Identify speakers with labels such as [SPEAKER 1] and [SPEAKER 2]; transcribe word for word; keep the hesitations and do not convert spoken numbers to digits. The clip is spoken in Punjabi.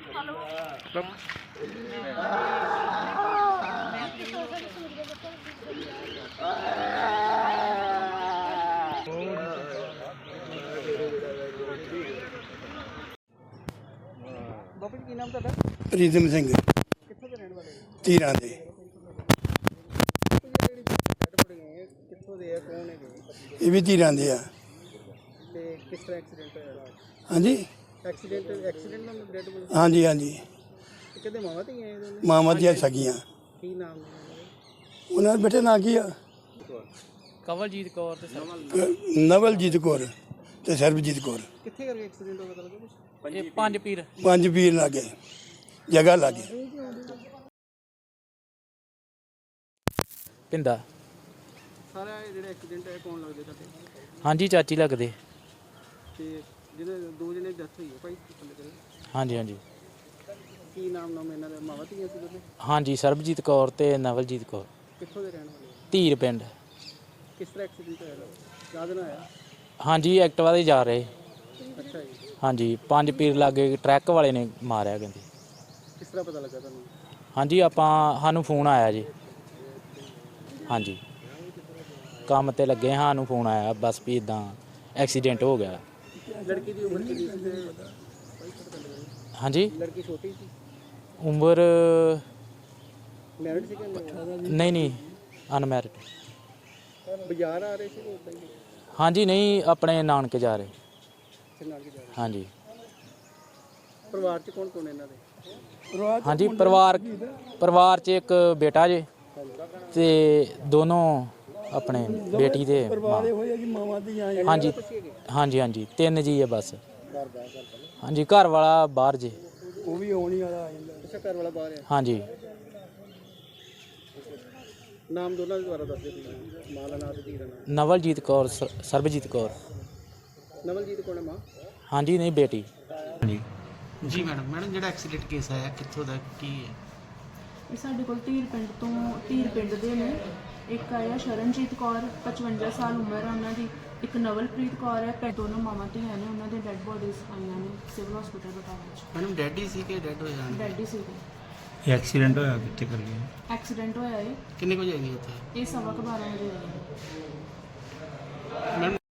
[SPEAKER 1] ਬਾਪੂ ਜੀ ਕੀ ਨਾਮ ਤੁਹਾਡਾ?
[SPEAKER 2] ਪ੍ਰੀਤਮ ਸਿੰਘ
[SPEAKER 1] ਕਿੱਥੋਂ ਦੇ ਰਹਿਣ ਵਾਲੇ ਹੋ?
[SPEAKER 2] ਧੀਰਾਂ ਦੇ।
[SPEAKER 1] ਕਿੱਥੋਂ ਦੇ ਆ, ਕੌਣ ਹੈਗੇ?
[SPEAKER 2] ਇਹ ਵੀ ਧੀਰਾਂ ਦੇ ਆ।
[SPEAKER 1] ਤੇ ਕਿਸ ਤਰ੍ਹਾਂ ਐਕਸੀਡੈਂਟ ਹੋਇਆ?
[SPEAKER 2] ਹਾਂਜੀ
[SPEAKER 1] ਐਕਸੀਡੈਂਟ ਐਕਸੀਡੈਂਟ ਨਾਲ ਡੈਡ ਬੋਡੀ?
[SPEAKER 2] ਹਾਂਜੀ ਹਾਂਜੀ
[SPEAKER 1] ਕਿਹਦੇ ਮਾਵਾਂ ਧੀਆਂ ਇਹ ਦੋਨੇ?
[SPEAKER 2] ਮਾਵਾਂ ਦੀਆਂ ਸਗੀਆਂ।
[SPEAKER 1] ਕੀ ਨਾਮ ਨੇ ਉਹਨਾਂ ਦੇ?
[SPEAKER 2] ਉਹਨਾਂ ਦੇ ਬੇਟੇ ਨਾਂ ਕੀ ਆ?
[SPEAKER 3] ਕਵਲਜੀਤ ਕੌਰ ਤੇ
[SPEAKER 2] ਕ- ਨਵਲਜੀਤ ਕੌਰ ਤੇ ਸਰਬਜੀਤ ਕੌਰ।
[SPEAKER 1] ਕਿੱਥੇ ਕਰਕੇ ਐਕਸੀਡੈਂਟ ਹੋਇਆ ਪਤਾ ਲੱਗਾ ਕੁਛ?
[SPEAKER 3] ਇਹ ਪੰਜ ਪੀਰ
[SPEAKER 2] ਪੰਜ ਵੀਰ ਲਾਗੇ ਜਗ੍ਹਾ ਲਾਗੇ।
[SPEAKER 3] ਪਿੰਦਾ।
[SPEAKER 1] ਸਾਰਾ ਇਹ ਜਿਹੜਾ ਐਕਸੀਡੈਂਟ ਹੈ ਕੌਣ ਲੱਗਦੇ ਤੁਹਾਡੇ?
[SPEAKER 3] ਹਾਂਜੀ ਚਾਚੀ ਲੱਗਦੇ।
[SPEAKER 1] ਤੇ ਜਿਹਦੇ ਦੋ ਜਣੇ ਡੈਥ ਹੋਈ ਹੈ ਭਾਈ ਥੱਲੇ ਕਰੇ,
[SPEAKER 3] ਹਾਂਜੀ ਹਾਂਜੀ
[SPEAKER 1] ਕੀ ਨਾਮ ਨਾਮ ਇਹਨਾਂ ਦੇ? ਮਾਵਾਂ ਧੀਆਂ ਸੀ ਦੋਨੇ?
[SPEAKER 3] ਹਾਂਜੀ ਸਰਬਜੀਤ ਕੌਰ ਤੇ ਨਵਲਜੀਤ ਕੌਰ।
[SPEAKER 1] ਕਿੱਥੋਂ ਦੇ ਰਹਿਣ ਵਾਲੇ?
[SPEAKER 3] ਧੀਰ ਪਿੰਡ।
[SPEAKER 1] ਕਿਸ ਤਰ੍ਹਾਂ ਐਕਸੀਡੈਂਟ ਹੋਇਆ? ਯਾਦ ਨਾ ਆਇਆ?
[SPEAKER 3] ਹਾਂਜੀ ਐਕਟਿਵਾ ਤੇ ਜਾ ਰਹੇ।
[SPEAKER 1] ਅੱਛਾ ਜੀ,
[SPEAKER 3] ਹਾਂਜੀ ਪੰਜ ਪੀਰ ਲਾਗੇ ਟਰੱਕ ਵਾਲੇ ਨੇ ਮਾਰਿਆ ਕਹਿੰਦੇ।
[SPEAKER 1] ਕਿਸ ਤਰ੍ਹਾਂ ਪਤਾ ਲੱਗਾ ਤੁਹਾਨੂੰ?
[SPEAKER 3] ਹਾਂਜੀ ਆਪਾਂ ਸਾਨੂੰ ਫੋਨ ਆਇਆ ਜੀ। ਹਾਂਜੀ ਕੰਮ ਤੇ ਲੱਗੇ, ਸਾਨੂੰ ਫੋਨ ਆਇਆ ਬਸ ਵੀ ਇਦਾਂ ਐਕਸੀਡੈਂਟ ਹੋ ਗਿਆ।
[SPEAKER 1] ਲੜਕੀ ਦੀ ਉਮਰ ਕਿੰਨੀ ਸੀ? ਤੇ
[SPEAKER 3] ਹਾਂਜੀ
[SPEAKER 1] ਲੜਕੀ ਛੋਟੀ ਸੀ?
[SPEAKER 3] ਉਮਰ
[SPEAKER 1] ਮੈਰਿਡ ਸੀ ਕਿ ਨਹੀਂ?
[SPEAKER 3] ਨਹੀਂ ਨਹੀਂ ਅਨਮੈਰਿਡ।
[SPEAKER 1] ਬਾਜ਼ਾਰ ਆ ਰਹੇ ਸੀ ਕਿ ਉੱਦਾਂ ਹੀ?
[SPEAKER 3] ਹਾਂਜੀ ਨਹੀਂ ਆਪਣੇ ਨਾਨਕੇ ਜਾ ਰਹੇ।
[SPEAKER 1] ਤੇ ਨਾਲ ਹੀ ਜਾ ਰਹੇ?
[SPEAKER 3] ਹਾਂਜੀ
[SPEAKER 1] ਪਰਿਵਾਰ 'ਚ ਕੌਣ ਕੌਣ ਇਹਨਾਂ ਦੇ?
[SPEAKER 3] ਹਾਂਜੀ ਪਰਿਵਾਰ ਪਰਿਵਾਰ 'ਚ ਇੱਕ ਬੇਟਾ ਜੇ ਤੇ ਦੋਨੋਂ ਆਪਣੇ ਬੇਟੀ ਦੇ ਮਾਂ।
[SPEAKER 2] ਹੋਇਆ ਕਿ ਮਾਵਾਂ ਦੀਆਂ
[SPEAKER 3] ਹਾਂਜੀ ਹਾਂਜੀ ਹਾਂਜੀ ਤਿੰਨ ਜੀ ਹੈ ਬਸ।
[SPEAKER 1] ਘਰ ਬਾਹਰ ਘਰ ਵਾਲਾ?
[SPEAKER 3] ਹਾਂਜੀ ਘਰ ਵਾਲਾ ਬਾਹਰ ਜੇ।
[SPEAKER 2] ਉਹ ਵੀ ਆਉਣੀ ਵਾਲਾ ਆ ਜਾਂਦਾ।
[SPEAKER 1] ਅੱਛਾ ਘਰ ਵਾਲਾ ਬਾਹਰ ਹੈ?
[SPEAKER 3] ਹਾਂਜੀ
[SPEAKER 1] ਨਾਮ ਦੋਨਾਂ ਦੇ ਦੁਆਰਾ ਦੱਸ ਦਿਓ ਤੁਸੀਂ। ਮਾਂ ਦਾ ਨਾਮ ਤੇ ਧੀ ਦਾ ਨਾਮ?
[SPEAKER 3] ਨਵਲਜੀਤ ਕੌਰ ਸ- ਸਰਬਜੀਤ ਕੌਰ।
[SPEAKER 1] ਨਵਲਜੀਤ ਕੌਣ ਹੈ ਮਾਂ?
[SPEAKER 3] ਹਾਂਜੀ ਨਹੀਂ ਬੇਟੀ।
[SPEAKER 1] ਜੀ ਮੈਡਮ ਮੈਡਮ ਜਿਹੜਾ ਐਕਸੀਡੈਂਟ ਕੇਸ ਆਇਆ ਕਿੱਥੋਂ ਦਾ ਕੀ ਹੈ?
[SPEAKER 4] ਇਹ ਸਾਡੇ ਕੋਲ ਧੀਰ ਪਿੰਡ ਤੋਂ ਧੀਰ ਪਿੰਡ ਦੇ ਨੇ। ਇੱਕ ਆਇਆ ਸ਼ਰਨਜੀਤ ਕੌਰ, ਪਚਵੰਜਾ ਸਾਲ ਉਮਰ ਹੈ ਉਹਨਾਂ ਦੀ। ਇੱਕ ਨਵਲਪ੍ਰੀਤ ਕੌਰ ਹੈ। ਪੈ ਦੋਨੋਂ ਮਾਵਾਂ ਧੀਆਂ ਨੇ। ਉਹਨਾਂ ਦੇ ਡੈੱਡ ਬੋਡੀਜ਼ ਆਈਆਂ ਨੇ ਸਿਵਲ ਹਸਪੀਟਲ ਬਟਾਲਾ 'ਚ।
[SPEAKER 1] ਮੈਡਮ ਡੈਡ ਹੀ ਸੀ ਕਿ ਡੈਡ ਹੋ ਜਾਣ?
[SPEAKER 4] ਡੈਡ ਹੀ ਸੀਗੇ।
[SPEAKER 5] ਇਹ ਐਕਸੀਡੈਂਟ ਹੋਇਆ ਕਿੱਥੇ ਕਰ ਗਿਆ?
[SPEAKER 4] ਐਕਸੀਡੈਂਟ ਹੋਇਆ ਹੈ
[SPEAKER 1] ਕਿੰਨੇ ਵਜੇ ਆਈ ਉੱਥੇ?
[SPEAKER 4] ਇਹ ਸਵਾ ਕੁ ਬਾਰਾਂ ਵਜੇ ਹੋਇਆ।
[SPEAKER 1] ਮੈਡਮ